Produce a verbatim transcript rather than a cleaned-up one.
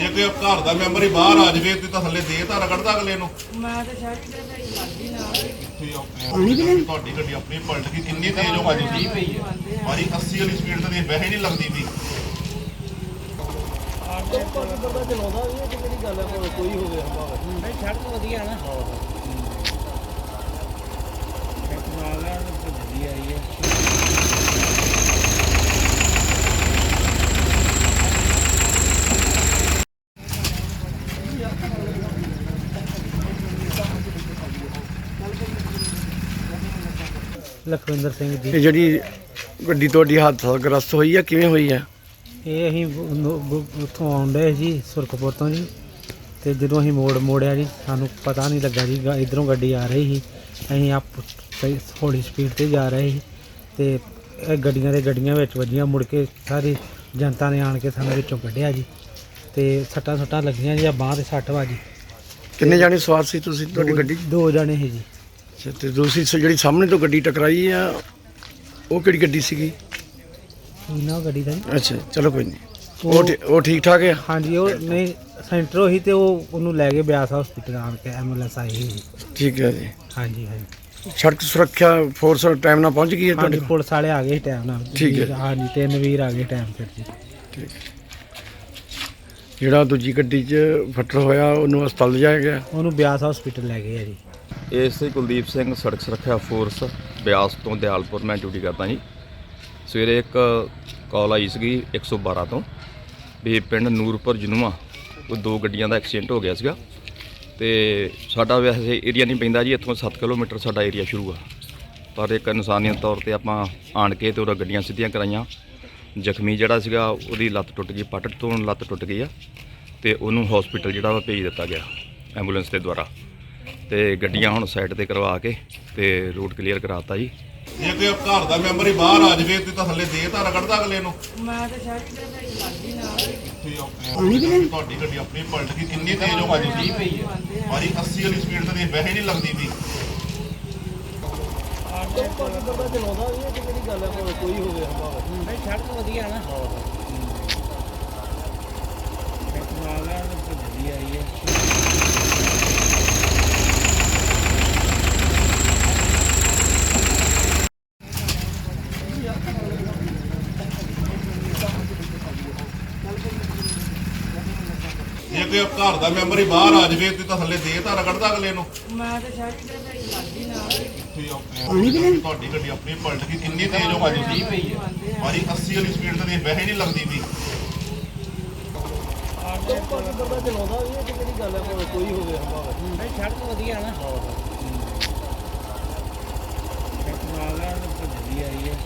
ਜੇ ਕੋਈ ਘਰ ਦਾ ਮੈਂਬਰ ਹੀ ਬਾਹਰ ਆ ਜਾਵੇ ਤੇ ਤਾਂ ਥੱਲੇ ਦੇ ਤਾਂ ਰਗੜਦਾ ਅਗਲੇ ਨੂੰ। ਮੈਂ ਤਾਂ ਸ਼ਾਇਦ ਕਿਤੇ ਭੇਜ ਲੱਗਦੀ ਨਾ ਤੁਹਾਡੀ ਗੱਡੀ ਆਪਣੀ ਪਲਟ ਗਈ, ਕਿੰਨੀ ਤੇਜ਼ ਹੋ ਭਾਜੀ ਸੀ ਭਾਜੀ, ਅੱਸੀ ਵਾਲੀ ਸਪੀਡ ਤੇ ਵੈਸੇ ਨਹੀਂ ਲੱਗਦੀ ਵੀ। ਬੰਦਾ ਚਲਾਉਂਦਾ ਵੀ ਇਹ ਕਿਹੜੀ ਗੱਲ ਹੈ, ਕੋਈ ਹੋਵੇ ਹਮਾਰਾ ਨਹੀਂ ਸੜਕ ਵਧੀਆ ਨਾ ਨਾਲ ਨਾਲ ਵਧੀਆ ਆਈ ਹੈ। ਲਖਵਿੰਦਰ ਸਿੰਘ ਜੀ, ਇਹ ਜਿਹੜੀ ਗੱਡੀ ਤੁਹਾਡੀ ਹਾਦਸਾਗ੍ਰਸਤ ਹੋਈ ਆ ਕਿਵੇਂ ਹੋਈ ਆ? ਇਹ ਅਸੀਂ ਉੱਥੋਂ ਆਉਂਦੇ ਸੀ ਸੁਰਖਪੁਰ ਤੋਂ ਜੀ, ਤੇ ਜਦੋਂ ਅਸੀਂ ਮੋੜ ਮੋੜਿਆ ਜੀ ਸਾਨੂੰ ਪਤਾ ਨਹੀਂ ਲੱਗਾ ਜੀ ਇਧਰੋਂ ਗੱਡੀ ਆ ਰਹੀ ਸੀ, ਅਸੀਂ ਆਪ ਹੌਲੀ ਸਪੀਡ ਤੇ ਜਾ ਰਹੇ ਸੀ ਤੇ ਇਹ ਗੱਡੀਆਂ ਦੇ ਗੱਡੀਆਂ ਵਿੱਚ ਵੱਜੀਆਂ। ਮੁੜ ਕੇ ਸਾਰੀ ਜਨਤਾ ਨੇ ਆਣ ਕੇ ਸਾਨੂੰ ਵਿੱਚੋਂ ਕੱਢਿਆ ਜੀ, ਤੇ ਸੱਟਾਂ ਸੁੱਟਾਂ ਲੱਗੀਆਂ ਜੀ, ਆ ਬਾਂਹ ਤੇ ਸੱਟ ਵੱਜੀ। ਕਿੰਨੇ ਜਾਣੇ ਸਵਾਰ ਸੀ ਤੁਸੀਂ ਤੁਹਾਡੀ ਗੱਡੀ? ਦੋ ਜਾਣੇ ਸੀ ਜੀ। ਅੱਛਾ, ਤੇ ਦੂਸਰੀ ਸ- ਜਿਹੜੀ ਸਾਹਮਣੇ ਤੋਂ ਗੱਡੀ ਟਕਰਾਈ ਆ ਉਹ ਕਿਹੜੀ ਗੱਡੀ ਸੀਗੀ? ਇਹਨਾਂ ਗੱਡੀ ਦਾ ਜੀ। ਅੱਛਾ ਚਲੋ ਕੋਈ ਨਹੀਂ, ਉਹ ਠੀ- ਉਹ ਠੀਕ ਠਾਕ ਆ? ਹਾਂਜੀ, ਉਹ ਨਹੀਂ ਸੈਂਟਰੋਂ ਹੀ ਤੇ ਉਹ ਉਹਨੂੰ ਲੈ ਕੇ ਬਿਆਸ ਹਸਪੀਟਲ ਆਣ ਕੇ ਐਂਬੂਲੈਂਸ ਆਈ ਸੀ। ਠੀਕ ਹੈ ਜੀ। ਹਾਂਜੀ ਹਾਂਜੀ ਸੜਕ ਸੁਰੱਖਿਆ ਫੋਰਸ ਟਾਈਮ ਨਾਲ ਪਹੁੰਚ ਗਈ ਹੈ ਤੁਹਾਡੇ ਹਾਂਜੀ, ਕੋਲ? ਪੁਲਿਸ ਵਾਲੇ ਆ ਗਏ ਟਾਈਮ ਨਾਲ। ਠੀਕ ਹੈ। ਹਾਂਜੀ, ਤਿੰਨ ਵੀਰ ਆ ਗਏ ਟਾਈਮ ਸਿਰ ਜੀ। ਠੀਕ। ਜਿਹੜਾ ਦੂਜੀ ਗੱਡੀ 'ਚ ਫੱਟੜ ਹੋਇਆ ਉਹਨੂੰ ਹਸਪਤਾਲ ਲਿਜਾਇਆ ਗਿਆ? ਉਹਨੂੰ ਬਿਆਸ ਹਸਪੀਟਲ ਲੈ ਗਏ ਆ ਜੀ। ਏਐਸਆਈ ਕੁਲਦੀਪ ਸਿੰਘ, ਸੜਕ ਸੁਰੱਖਿਆ ਫੋਰਸ ਬਿਆਸ ਤੋਂ ਦਿਆਲਪੁਰ ਮੈਂ ਡਿਊਟੀ ਕਰਦਾ ਜੀ। ਸਵੇਰੇ ਇੱਕ ਕਾਲ ਆਈ ਸੀਗੀ ਇੱਕ ਸੌ ਬਾਰਾਂ ਤੋਂ ਵੀ ਪਿੰਡ ਨੂਰਪੁਰ ਜਨੂਆ ਉਹ ਦੋ ਗੱਡੀਆਂ ਦਾ ਐਕਸੀਡੈਂਟ ਹੋ ਗਿਆ ਸੀਗਾ, ਤੇ ਸਾਡਾ ਵੈਸੇ ਏਰੀਆ ਨਹੀਂ ਪੈਂਦਾ ਜੀ, ਇੱਥੋਂ ਸੱਤ ਕਿਲੋਮੀਟਰ ਸਾਡਾ ਏਰੀਆ ਸ਼ੁਰੂ ਆ, ਪਰ ਇੱਕ ਇਨਸਾਨੀਅਤ ਤੌਰ ਤੇ ਆਪਾਂ ਆਣ ਕੇ ਤੇ ਉਹਦਾ ਗੱਡੀਆਂ ਸਿੱਧੀਆਂ ਕਰਾਈਆਂ। ਜ਼ਖਮੀ ਜਿਹੜਾ ਸੀਗਾ ਉਹਦੀ ਲੱਤ ਟੁੱਟ ਗਈ, ਪੱਟ ਤੋਂ ਲੱਤ ਟੁੱਟ ਗਈ ਆ, ਤੇ ਉਹਨੂੰ ਹਸਪੀਟਲ ਜਿਹੜਾ ਵਾ ਭੇਜ ਦਿੱਤਾ ਗਿਆ ਐਂਬੂਲੈਂਸ ਦੇ ਦੁਆਰਾ, ਤੇ ਗੱਡੀਆਂ ਹੁਣ ਸਾਈਡ ਤੇ ਕਰਵਾ ਕੇ ਤੇ ਰੂਟ ਕਲੀਅਰ ਕਰਾਤਾ ਜੀ। ਜੇ ਕੋਈ ਘਰ ਦਾ ਮੈਂਬਰ ਹੀ ਬਾਹਰ ਆ ਜਾਵੇ ਤੇ ਤਾਂ ਥੱਲੇ ਦੇ ਤਾਂ ਰਗੜਦਾ ਅਗਲੇ ਨੂੰ। ਮੈਂ ਤਾਂ ਸ਼ਾਇਦ ਕਿਤੇ ਭੇਜ ਲੱਗਦੀ ਨਾ ਤੁਹਾਡੀ ਗੱਡੀ ਆਪਣੀ ਪਲਟ ਗਈ, ਕਿੰਨੀ ਤੇਜ਼ ਹੋ ਭਾਜੀ ਸੀ ਭਾਜੀ, ਅੱਸੀ ਵਾਲੀ ਸਪੀਡ ਤੇ ਵੈਸੇ ਨਹੀਂ ਲੱਗਦੀ ਵੀ। ਬੰਦਾ ਚਲਾਉਂਦਾ ਵੀ ਇਹ ਕਿਹੜੀ ਗੱਲ ਹੈ, ਕੋਈ ਹੋਵੇ ਹਮਾਰਾ ਨਹੀਂ ਸੜਕ ਵਧੀਆ ਨਾ ਨਾਲ ਨਾਲ ਵਧੀਆ ਆਈ ਹੈ। ਜੇ ਕੋਈ ਘਰ ਦਾ ਮੈਂਬਰ ਹੀ ਬਾਹਰ ਆ ਜਾਵੇ ਤੇ ਤਾਂ ਥੱਲੇ ਦੇ ਤਾਂ ਰਗੜਦਾ ਅਗਲੇ ਨੂੰ। ਤੁਹਾਡੀ ਗੱਡੀ ਆਪਣੀ ਪਲਟ ਗਈ, ਕਿੰਨੀ ਤੇਜ਼ ਹੋ ਭਾਜੀ ਸੀ ਭਾਜੀ, ਅੱਸੀ ਵਾਲੀ ਸਪੀਡ ਤੇ ਵੈਸੇ ਨਹੀਂ ਲੱਗਦੀ ਵੀ। ਤੁਹਾਡੀ ਗੱਡੀ ਆਪਣੀ ਪਲਟ ਗਈ, ਕਿੰਨੀ ਤੇਜ਼ ਹੋ ਭਾਜੀ ਸੀ ਭਾਜੀ, ਅੱਸੀ ਵਾਲੀ ਸਪੀਡ ਤੇ ਵੈਸੇ ਨਹੀਂ ਲੱਗਦੀ ਵੀ। ਜੇ ਕੋਈ ਘਰ ਦਾ ਮੈਂਬਰ ਹੀ ਬਾਹਰ ਆ ਜਾਵੇ ਤੇ ਤਾਂ ਥੱਲੇ ਦੇ ਤਾਂ ਰਗੜਦਾ ਅਗਲੇ ਨੂੰ। ਮੈਂ ਤਾਂ ਸ਼ਾਇਦ ਕਿਤੇ ਭੇਜ ਲੱਗਦੀ ਨਾ ਤੁਹਾਡੀ ਗੱਡੀ ਆਪਣੀ ਪਲਟ ਗਈ, ਕਿੰਨੀ ਤੇਜ਼ ਹੋ ਭਾਜੀ ਸੀ ਭਾਜੀ, ਅੱਸੀ ਵਾਲੀ ਸਪੀਡ ਤੇ ਵੈਸੇ ਨਹੀਂ ਲੱਗਦੀ ਵੀ। ਬੰਦਾ ਚਲਾਉਂਦਾ ਵੀ ਇਹ ਕਿਹੜੀ ਗੱਲ ਹੈ, ਕੋਈ ਹੋਵੇ ਹਮਾਰਾ ਨਹੀਂ ਸੜਕ ਵਧੀਆ ਨਾ ਨਾਲ ਨਾਲ ਵਧੀਆ ਆਈ ਹੈ।